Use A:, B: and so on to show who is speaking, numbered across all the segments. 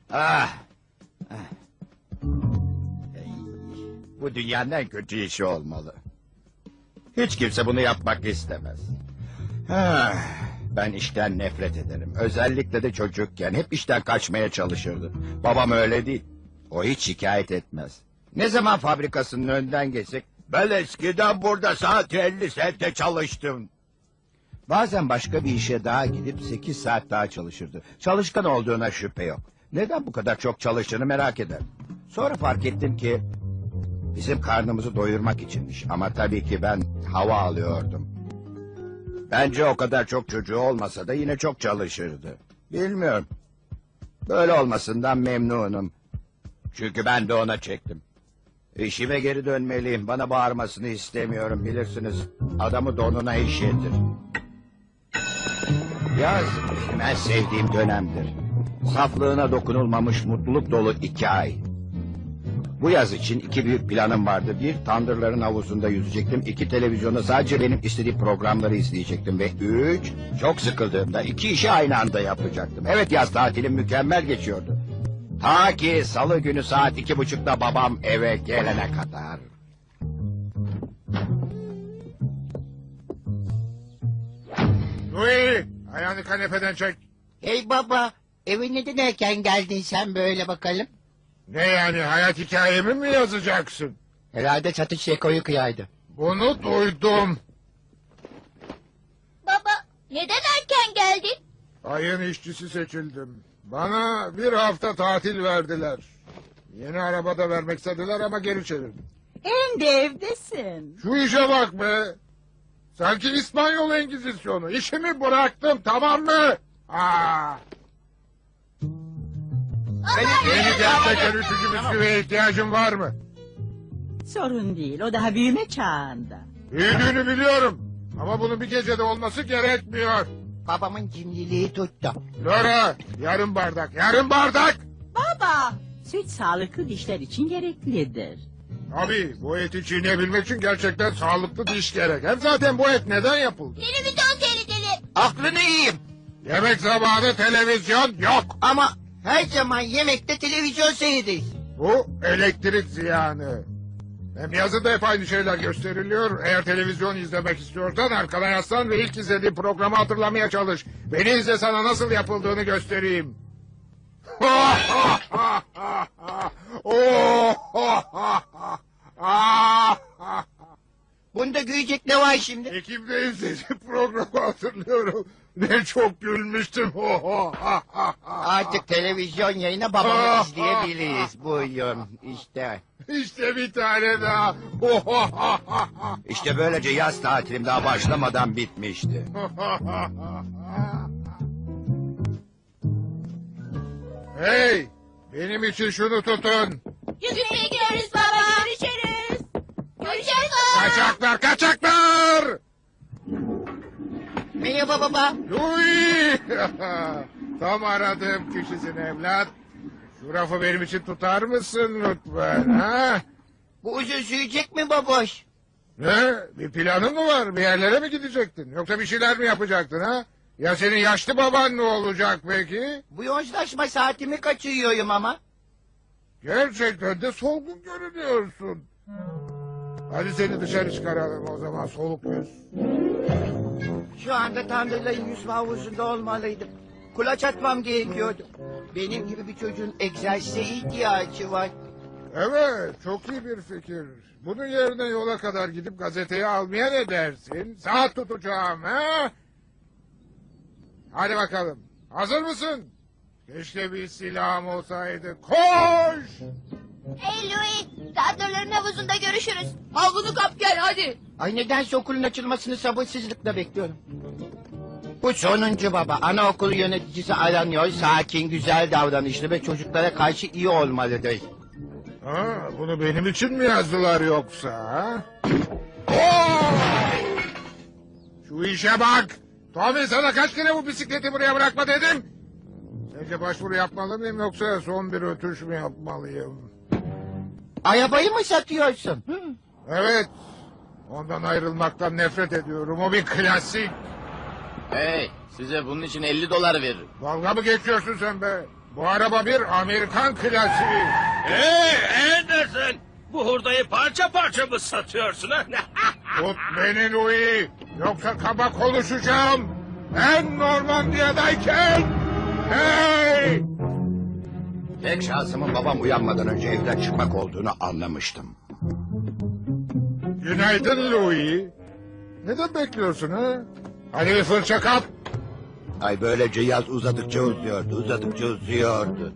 A: Ah. Bu dünyanın en kötü işi olmalı. Hiç kimse bunu yapmak istemez. Ben işten nefret ederim. Özellikle de çocukken hep işten kaçmaya çalışırdı. Babam öyle değil. O hiç şikayet etmez. Ne zaman fabrikasının önünden geçsek... Ben eskiden burada saat 50 saatte çalıştım. Bazen başka bir işe daha gidip 8 saat daha çalışırdı. Çalışkan olduğuna şüphe yok. Neden bu kadar çok çalıştığını merak eder. Sonra fark ettim ki... bizim karnımızı doyurmak içinmiş. Ama tabii ki ben hava alıyordum. Bence o kadar çok çocuğu olmasa da yine çok çalışırdı. Bilmiyorum. Böyle olmasından memnunum. Çünkü ben de ona çektim. İşime geri dönmeliyim. Bana bağırmasını istemiyorum, bilirsiniz. Adamı donuna işletir. Yaz benim en sevdiğim dönemdir. Saflığına dokunulmamış mutluluk dolu 2 ay. Bu yaz için 2 büyük planım vardı. 1, tandırların havuzunda yüzecektim. 2, televizyonda sadece benim istediğim programları izleyecektim. Ve 3, çok sıkıldığımda 2 işi aynı anda yapacaktım. Evet, yaz tatilim mükemmel geçiyordu. Ta ki salı günü saat 2.30'da babam eve gelene kadar.
B: Louis, ayağını kanepeden çek.
C: Hey baba, eve neden erken geldin sen böyle bakalım?
B: Ne yani, hayat hikayemi mi yazacaksın?
C: Herhalde satış Şeko'yu kıyaydı.
B: Bunu duydum.
D: Baba, neden erken geldin?
B: Ayın işçisi seçildim. Bana 1 hafta tatil verdiler. Yeni araba da vermek istediler ama geri çevirdim.
E: Hem de evdesin.
B: Şu işe bak be. Sanki İspanyol Engizisyonu. İşimi bıraktım, tamam mı? Yeni gerçekten 3. bisküviye ihtiyacın var mı?
E: Sorun değil, o daha büyüme çağında.
B: Büyüdüğünü biliyorum. Ama bunun bir gecede olması gerekmiyor.
C: Babamın cimriliği tuttu.
B: Laura, yarım bardak, yarım bardak.
E: Baba, süt sağlıklı dişler için gereklidir.
B: Abi, bu eti çiğneyebilmek için gerçekten sağlıklı diş gerek. Hem zaten bu et neden yapıldı?
D: Televizyon seyredelim.
C: Aklını yiyeyim.
B: Yemek zamanı televizyon yok.
C: Ama her zaman yemekte televizyon seyrederiz.
B: Bu elektrik ziyanı. Hem yazıda hep aynı şeyler gösteriliyor. Eğer televizyon izlemek istiyorsan arkana yaslan ve ilk izlediğin programı hatırlamaya çalış. Beni izle, sana nasıl yapıldığını göstereyim.
C: Bunda gülecek ne var şimdi?
B: Ekim'de izlediğim programı hatırlıyorum. Ne çok gülmüştüm.
C: Artık televizyon yayını babamı izleyebiliriz. Buyurun işte.
B: İşte bir tane daha.
A: İşte böylece yaz tatilim daha başlamadan bitmişti.
B: Hey, benim için şunu tutun.
D: Yüzmeye gidiyoruz baba. Görüşürüz. Görüşürüz baba.
B: Kaçaklar, kaçaklar!
C: Merhaba baba.
B: Louis! Tam aradığım kişisin evlat. Şu rafı benim için tutar mısın lütfen? Ha?
C: Bu uzun sürecek mi baboş?
B: Ne? Bir planın mı var? Bir yerlere mi gidecektin? Yoksa bir şeyler mi yapacaktın ha? Ya senin yaşlı baban ne olacak peki?
C: Bu yozlaşma saatimi kaçırıyorum ama.
B: Gerçekten de solgun görünüyorsun. Hadi seni dışarı çıkaralım o zaman, soluk yüz.
C: Şu anda tandırların yüzme havuzunda olmalıydım. Kulaç atmam gerekiyordu. Benim gibi bir çocuğun egzersize ihtiyacı var.
B: Evet, çok iyi bir fikir. Bunun yerine yola kadar gidip gazeteyi almaya ne dersin? Saat tutacağım, ha? Hadi bakalım. Hazır mısın? Keşke bir silahım olsaydı. Koş!
D: Hey Louis, tandırların havuzunda görüşürüz. Havlunu kap gel hadi.
C: Ay nedense okulun açılmasını sabırsızlıkla bekliyorum. Bu sonuncu baba. Anaokulu yöneticisi aranıyor. Sakin, güzel davranışlı ve çocuklara karşı iyi olmalıdır.
B: Ha, bunu benim için mi yazdılar yoksa? Ha? Oo! Şu işe bak! Tommy, sana kaç kere bu bisikleti buraya bırakma dedim? Sence başvuru yapmalı mıyım yoksa son bir ötüş mü yapmalıyım?
C: Arabayı mı satıyorsun?
B: Evet. Ondan ayrılmaktan nefret ediyorum. O bir klasik.
F: Hey, size bunun için $50 veririm.
B: Dalga mı geçiyorsun sen be? Bu araba bir Amerikan klasiği.
F: Anderson! Bu hurdayı parça parça mı satıyorsun ha?
B: Tut beni Louis. Yoksa kaba konuşacağım. Ben Normandiya'dayken. Hey!
A: Tek şansımın babam uyanmadan önce evden çıkmak olduğunu anlamıştım.
B: Günaydın Louis. Neden bekliyorsun ha? Hadi bir fırça kap.
A: Ay böylece yaz uzadıkça uzuyordu.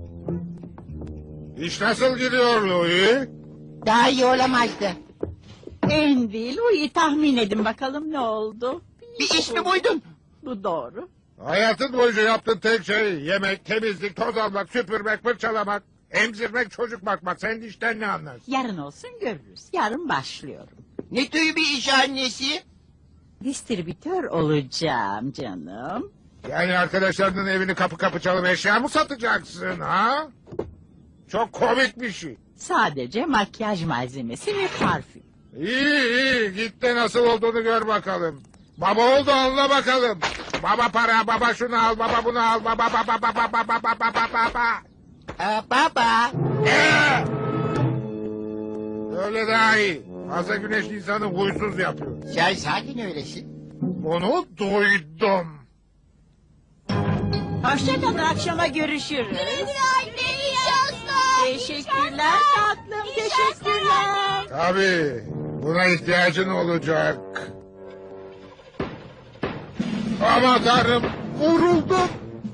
B: İş nasıl gidiyor Louis?
C: Daha iyi olamazdı.
E: Andy, Louis'i tahmin edin bakalım ne oldu?
C: Bir iş mi buydun?
E: Bu doğru.
B: Hayatın boyunca yaptığın tek şey yemek, temizlik, toz almak, süpürmek, fırçalamak, emzirmek, çocuk bakmak. Sen işten ne anlarsın?
E: Yarın olsun görürüz. Yarın başlıyorum.
C: Ne tür bir iş annesi?
E: Distribütör olacağım canım.
B: Yani arkadaşlarının evini kapı kapı çalıp eşya mı satacaksın ha? Çok komik bir şey.
E: Sadece makyaj malzemesi ve parfüm.
B: İyi git de nasıl olduğunu gör bakalım. Baba oldu anla bakalım. Baba para, baba şunu al, baba bunu al, baba baba baba baba baba baba.
C: Baba.
B: Öyle daha iyi. Fazla güneş insanı huysuz yapıyor.
C: Sen sakin öylesin.
B: Bunu duydum.
E: Hoşçakalın, akşama görüşürüz.
D: Anne iyi şanslar.
E: Teşekkürler tatlım, teşekkürler.
B: Tabii buna ihtiyacın olacak. Ama tanrım vuruldum.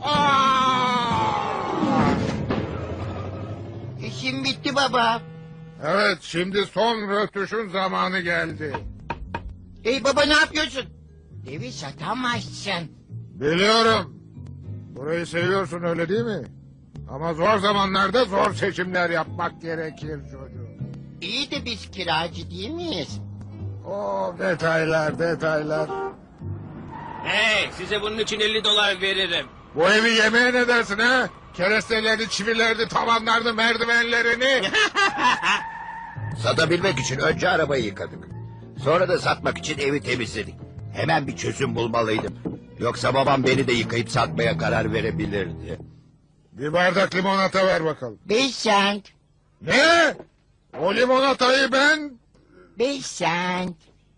C: İşim bitti baba.
B: Evet şimdi son rötuşun zamanı geldi.
C: Hey baba ne yapıyorsun? Evi satamazsın.
B: Biliyorum. Burayı seviyorsun öyle değil mi? Ama zor zamanlarda zor seçimler yapmak gerekir çocuğum.
C: İyi de biz kiracı değil miyiz?
B: O detaylar.
F: Hey, size bunun için $50 veririm.
B: Bu evi yemeye ne dersin ha? Kerestelerini, çivilerini, tavanlarını, merdivenlerini.
A: Satabilmek için önce arabayı yıkadık. Sonra da satmak için evi temizledik. Hemen bir çözüm bulmalıydım. Yoksa babam beni de yıkayıp satmaya karar verebilirdi.
B: Bir bardak limonata ver bakalım.
C: 5 cent.
B: Ne? O limonatayı ben...
C: 5 cent.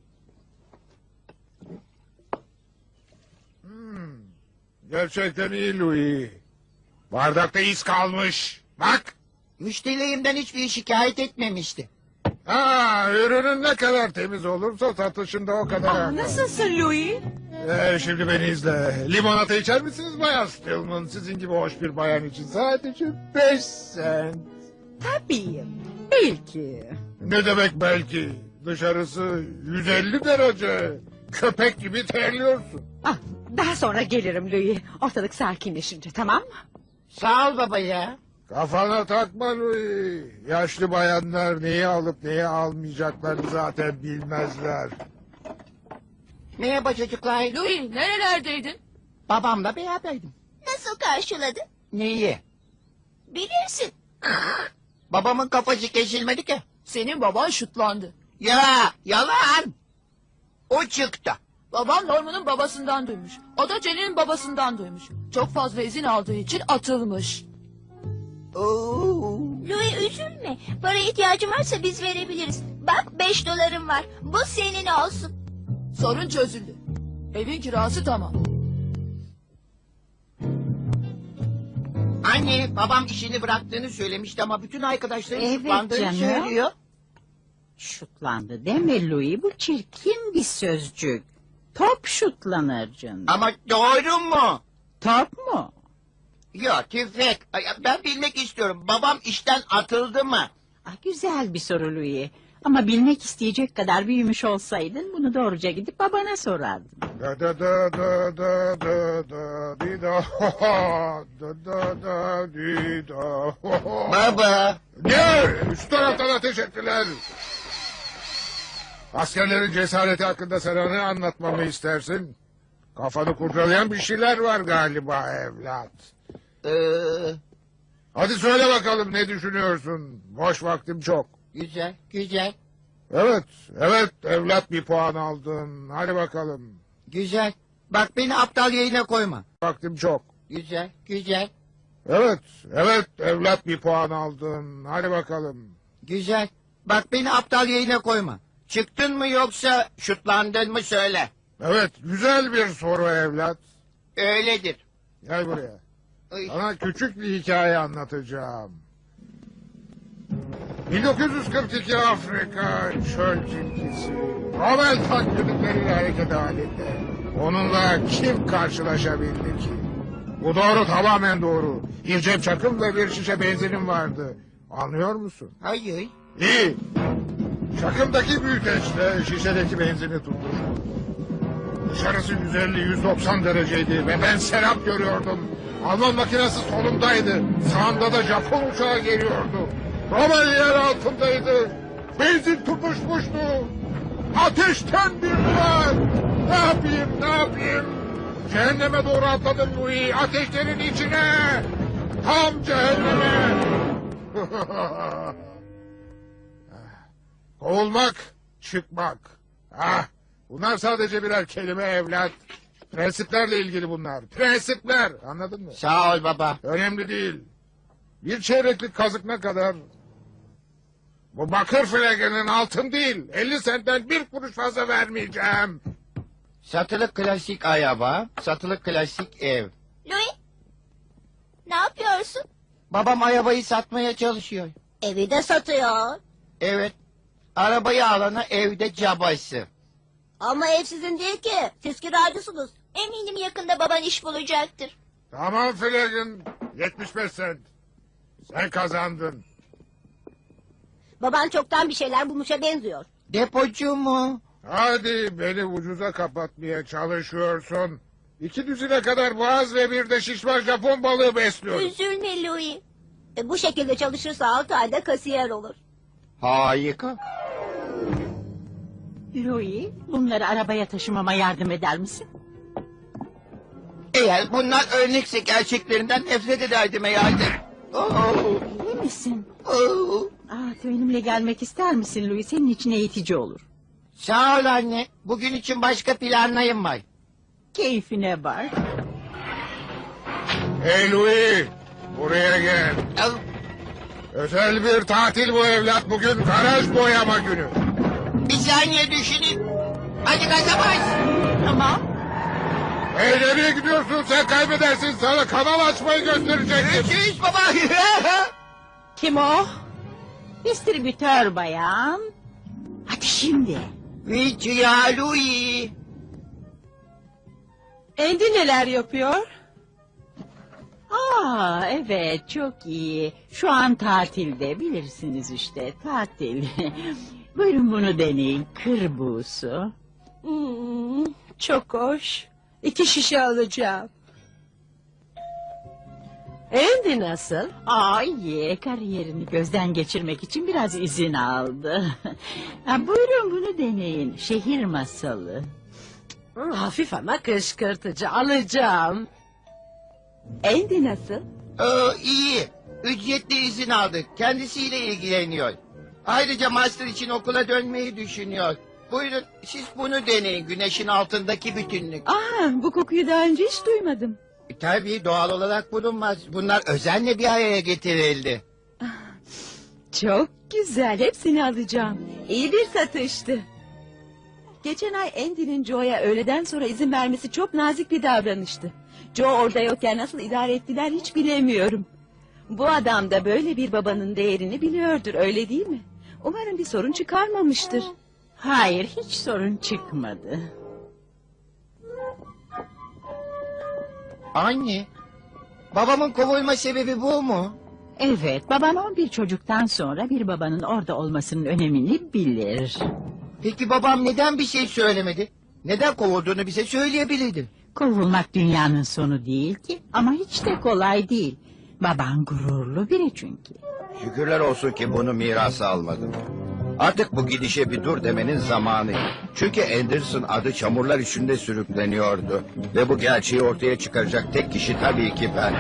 B: Gerçekten iyi Louis. Bardakta iz kalmış. Bak.
C: Müşterilerimden hiçbir şikayet etmemişti.
B: Ha, ürünün ne kadar temiz olursa satışında o kadar. artar.
E: Nasılsın Louis?
B: Şimdi beni izle. Limonata içer misiniz Bayan Stillman? Sizin gibi hoş bir bayan için sadece 5 cent.
E: Tabii. Belki.
B: Ne demek belki? Dışarısı 150 derece. Köpek gibi terliyorsun.
G: Ah, daha sonra gelirim Louis. Ortalık sakinleşince, tamam mı?
C: Sağ ol baba ya.
B: Kafana takma Louis. Yaşlı bayanlar neyi alıp neyi almayacaklarını zaten bilmezler.
C: Merhaba çocuklar.
D: Louis nerelerdeydin?
C: Babamla beraberdim.
D: Nasıl karşıladı?
C: Neyi?
D: Bilirsin.
C: Babamın kafası kesilmedi ki.
D: Senin baban şutlandı.
C: Ya yalan. O çıktı.
D: Babam Norman'ın babasından duymuş. O da Jenny'nin babasından duymuş. Çok fazla izin aldığı için atılmış.
C: Oo.
D: Louis üzülme. Para ihtiyacın varsa biz verebiliriz. Bak $5 var. Bu senin olsun. Sorun çözüldü. Evin kirası tamam.
C: Anne babam işini bıraktığını söylemişti ama bütün arkadaşları
E: Evet
C: şutlandığını
E: canım.
C: söylüyor.
E: Şutlandı deme Louis, bu çirkin bir sözcük. Top şutlanır canım.
C: Ama doğru mu?
E: Top mu?
C: Yok tüfek. Ay, ben bilmek istiyorum. Babam işten atıldı mı?
E: Ah, güzel bir soru Louis. Ama bilmek isteyecek kadar büyümüş olsaydın bunu doğruca gidip babana sorardın.
B: Da da da da da da da di da ho ho da da da di da ho ho.
C: Baba.
B: Ne? Üst taraftan ateş ettiler. Askerlerin cesareti hakkında sana ne anlatmamı istersin? Kafanı kurcalayan bir şeyler var galiba evlat. Hadi söyle bakalım ne düşünüyorsun? Boş vaktim çok.
C: Güzel güzel
B: Evet evlat bir puan aldın. Hadi bakalım.
C: güzel. Bak beni aptal yerine koyma.
B: Vaktim çok.
C: Güzel güzel.
B: Evet, evet evlat bir puan aldın. Hadi bakalım.
C: Güzel. Bak beni aptal yerine koyma. Çıktın mı yoksa şutlandın mı söyle.
B: Evet, güzel bir soru evlat.
C: Öyledir.
B: Gel buraya.
C: Ay.
B: Sana küçük bir hikaye anlatacağım. 1942 Afrika çöl tilkisi. Rommel takdirlikleriyle hareket halinde. Onunla kim karşılaşabildi ki? Bu doğru, tamamen doğru. Bir cep çakım ve bir şişe benzinim vardı. Anlıyor musun?
C: Hayır.
B: İyi. Çakımdaki büyüteçle şişedeki benzini tutuştu. Dışarısı 150-190 dereceydi ve ben serap görüyordum. Alman makinesi solumdaydı. Sağımda da Japon uçağı geliyordu. Rommel yer altındaydı. Benzin tutuşmuştu. Ateşten bir duvar. Ne yapayım? Cehenneme doğru atladım Louis. Ateşlerin içine. Tam cehenneme. Kovulmak, çıkmak. Ah, bunlar sadece birer kelime evlat. Prensiplerle ilgili bunlar. Prensipler, anladın mı?
C: Sağ ol baba.
B: Önemli değil. Bir çeyreklik kazık ne kadar? Bu bakır flagenin altın değil. 50 sentten bir kuruş fazla vermeyeceğim.
C: Satılık klasik araba, satılık klasik ev.
D: Louis, ne yapıyorsun?
C: Babam arabayı satmaya çalışıyor.
D: Evi de satıyor.
C: Evet. Arabayı alana evde cabası.
D: Ama ev sizin değil ki. Siz kiracısınız. Eminim yakında baban iş bulacaktır.
B: Tamam flagen, 75 sent. Sen kazandın.
D: Baban çoktan bir şeyler bulmuşa benziyor.
C: Depocu mu?
B: Hadi beni ucuza kapatmaya çalışıyorsun. 2 düzine kadar boğaz ve bir de şişman Japon balığı besliyorum.
D: Üzülme Louis. Bu şekilde çalışırsa 6 ayda kasiyer olur.
C: Harika.
E: Louis, bunları arabaya taşımama yardım eder misin?
C: Eğer bunlar örnekse gerçeklerinden nefret ederdim herhalde. Oh,
E: İyi misin?
C: oh.
E: Benimle gelmek ister misin Louis? Senin için eğitici olur.
C: Sağ ol anne. Bugün için başka planlarım var.
E: Keyfine bak.
B: Hey Louis, buraya gel.
C: Al.
B: Özel bir tatil bu evlat, bugün garaj boyama günü.
C: Bir saniye düşüneyim. Hadi gaza bas.
E: Tamam.
B: Hey nereye gidiyorsun, sen kaybedersin, sana kanal açmayı gösterecektim.
C: Görüşürüz baba.
E: Kim o? Distribütör bayan. Hadi şimdi.
C: Rica Louis.
G: Andy neler yapıyor?
E: Evet, çok iyi. Şu an tatilde, bilirsiniz işte, tatil. Buyurun bunu deneyin, kır buğusu.
G: Çok hoş. 2 şişe alacağım. Andy nasıl?
E: İyi, kariyerini gözden geçirmek için biraz izin aldı. Buyurun bunu deneyin, şehir masalı.
G: Hafif ama kışkırtıcı, alacağım. Andy nasıl?
C: İyi. Ücretli izin aldı. Kendisiyle ilgileniyor. Ayrıca master için okula dönmeyi düşünüyor. Buyurun siz bunu deneyin. Güneşin altındaki bütünlük.
G: Bu kokuyu daha önce hiç duymadım.
C: Tabii doğal olarak bulunmaz. Bunlar özenle bir araya getirildi.
G: Çok güzel, hepsini alacağım. İyi bir satıştı. Geçen ay Andy'nin Joe'ya öğleden sonra izin vermesi çok nazik bir davranıştı. Joe orada yokken nasıl idare ettiler hiç bilemiyorum. Bu adam da böyle bir babanın değerini biliyordur, öyle değil mi? Umarım bir sorun çıkarmamıştır.
E: Hayır, hiç sorun çıkmadı.
C: Anne, babamın kovulma sebebi bu mu?
E: Evet, baban 11 çocuktan sonra bir babanın orada olmasının önemini bilir.
C: Peki babam neden bir şey söylemedi? Neden kovulduğunu bize söyleyebilirdi.
E: Kovulmak dünyanın sonu değil ki, ama hiç de kolay değil. Baban gururlu biri çünkü.
A: Şükürler olsun ki bunu mirasa almadım. Artık bu gidişe bir dur demenin zamanı. Çünkü Anderson adı çamurlar içinde sürükleniyordu. Ve bu gerçeği ortaya çıkaracak tek kişi tabii ki ben.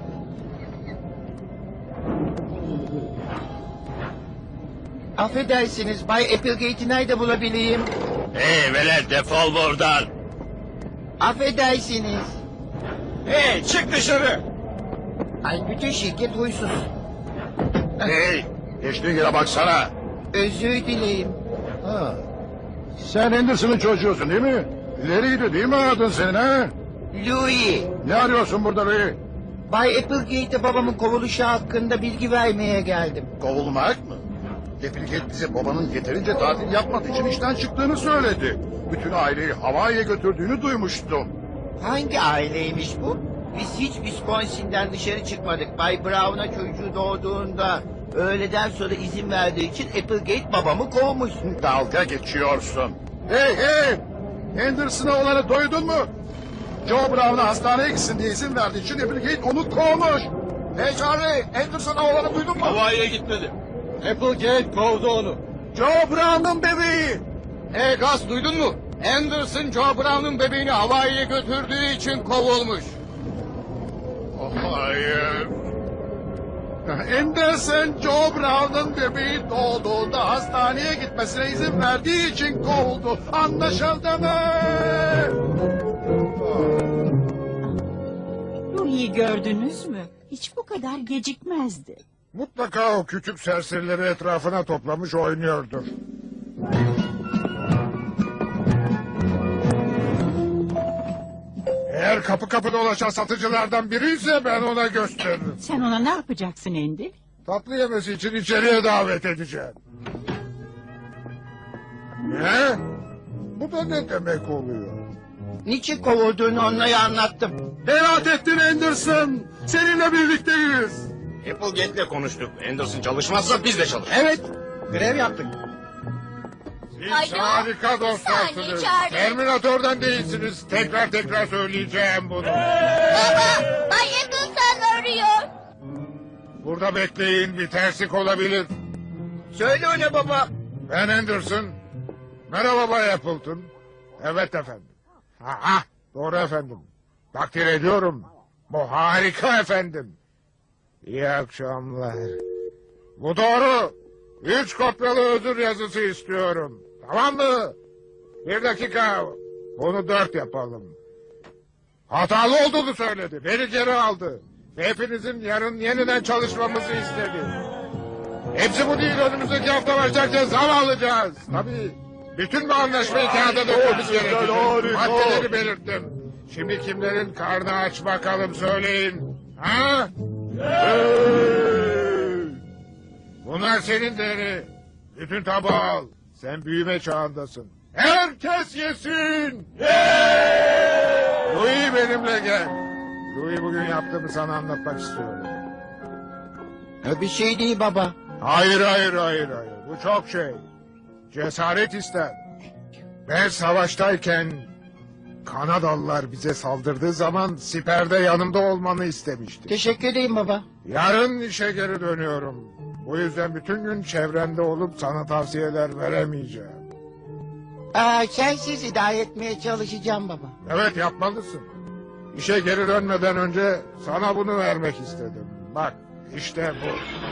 C: Affedersiniz Bay Applegate'i nerede bulabileyim?
F: Hey velet defol buradan.
C: Affedersiniz.
F: Hey çık dışarı.
C: Ay bütün şirket huysuz.
A: Hey, geçtiğin yere baksana.
C: Özür dileyim.
A: Ha. Sen Anderson'ın çocuğusun değil mi? İleriydi değil mi adın senin ha?
C: Louis,
A: Ne arıyorsun burada Louis?
C: Bay Applegate'e babamın kovuluşu hakkında bilgi vermeye geldim.
A: Kovulmak mı? Applegate bize babanın yeterince tatil yapmadığı için işten çıktığını söyledi. Bütün aileyi Hawaii'ye götürdüğünü duymuştum.
C: Hangi aileymiş bu? Biz hiç Wisconsin'den dışarı çıkmadık. Bay Brown'a çocuğu doğduğunda öğleden sonra izin verdiği için Applegate babamı kovmuş.
A: Dalga geçiyorsun. Hey hey! Anderson'a olanı duydun mu? Joe Brown'a hastaneye gitsin diye izin verdiği için Applegate onu kovmuş. Hey Charlie, Anderson'a olanı duydun mu?
F: Havaiye gitmedi.
A: Applegate kovdu onu. Joe Brown'un bebeği. Hey Gus, duydun mu? Anderson Joe Brown'un bebeğini Hawaii'ye götürdüğü için kovulmuş. Hayır. Anderson Joe Brown'un bebeği doğduğunda hastaneye gitmesine izin verdiği için kovuldu. Anlaşıldı mı?
E: Louis'i gördünüz mü? Hiç bu kadar gecikmezdi.
B: Mutlaka o küçük serserileri etrafına toplamış oynuyordur. Eğer kapı kapı dolaşan satıcılardan biri ise ben ona gösteririm.
E: Sen ona ne yapacaksın Andy?
B: Tatlı yemesi için içeriye davet edeceğim. Ne? Bu da ne demek oluyor?
C: Niçin kovulduğunu onlara anlattım.
A: Beraat ettin Anderson. Seninle birlikteyiz.
F: Applegate'le konuştuk. Anderson çalışmazsa biz de çalışırız.
A: Evet. Grev yaptık.
B: Siz
D: Alo?
B: harika
D: Bir
B: dostlarsınız.
D: saniye, Charlie.
B: Terminator'dan değilsiniz. Tekrar söyleyeceğim bunu.
D: Baba, Bay Appleton arıyor.
B: Burada bekleyin, bir terslik olabilir.
C: Söyle ona baba.
B: Ben Anderson. Merhaba Bay Appleton. Evet efendim. Ha, doğru efendim. Takdir ediyorum. Bu harika efendim. İyi akşamlar. Bu doğru. 3 kopyalı özür yazısı istiyorum. Tamam mı? 1 dakika. Bunu 4 yapalım. Hatalı olduğunu söyledi. Beni geri aldı. Ve hepinizin yarın yeniden çalışmamızı istedi. Hepsi bu değil. Önümüzdeki hafta başlarken zam alacağız. Tabii. Bütün bu anlaşmayı kağıda dökmemiz gerekecek. Maddeleri belirttim. Şimdi kimlerin karnı aç bakalım söyleyin. Ha? Bunlar senin değeri. Bütün tabağı al. Sen büyüme çağındasın. Herkes yesin. Louis benimle gel. Louis bugün yaptığımı sana anlatmak istiyorum.
C: Bir şey değil baba.
B: Hayır. Bu çok şey. Cesaret ister. Ben savaştayken Kanadalılar bize saldırdığı zaman siperde yanımda olmanı istemiştim.
C: Teşekkür edeyim baba.
B: Yarın işe geri dönüyorum. Bu yüzden bütün gün çevrende olup sana tavsiyeler veremeyeceğim.
C: Sensiz idare etmeye çalışacağım baba.
B: Evet yapmalısın. İşe geri dönmeden önce sana bunu vermek istedim. Bak işte bu.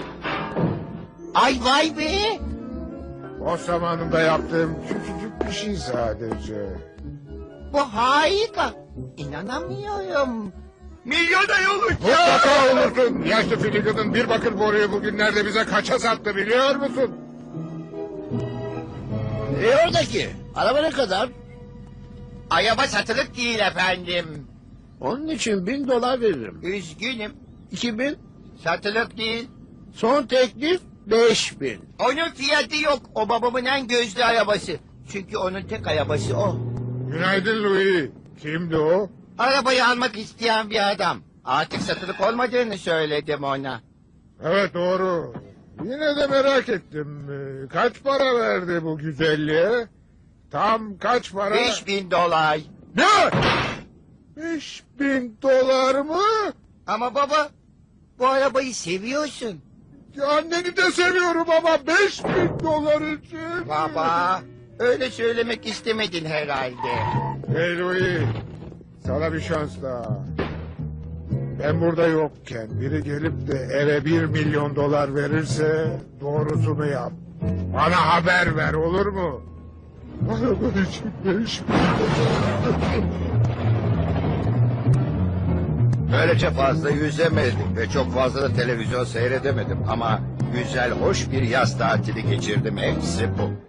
C: Ay vay be.
B: O zamanında yaptığım küçücük bir şey sadece.
C: Bu harika. İnanamıyorum. Milyoner olacağım.
B: Mutlaka olursun. Yaşlı Finnegan'ın bir bakır boruyu bugünlerde bize kaça sattı biliyor musun?
C: Oradaki. Araba ne kadar? Araba satılık değil efendim.
H: Onun için $1000 veririm.
C: Üzgünüm.
H: 2000,
C: Satılık değil.
H: son teklif 5000.
C: Onun fiyatı yok. O babamın en gözlü arabası. Çünkü onun tek arabası o.
B: Günaydın Louis. Kimdi o?
C: Arabayı almak isteyen bir adam. Artık satılık olmadığını söyledim ona.
B: Evet doğru. Yine de merak ettim. Kaç para verdi bu güzelliğe? Tam kaç para?
C: $5000.
B: Ne? $5000 mı?
C: Ama baba, bu arabayı seviyorsun.
B: Anneni de seviyorum ama $5000 için.
C: Baba, öyle söylemek istemedin herhalde.
B: Hey Louis, sana bir şans daha. Ben burada yokken biri gelip de eve $1 milyon verirse doğrusunu yap. Bana haber ver olur mu? Araba için $5000.
A: Böylece fazla yüzemedim ve çok fazla da televizyon seyredemedim. Ama güzel, hoş bir yaz tatili geçirdim. Hepsi bu.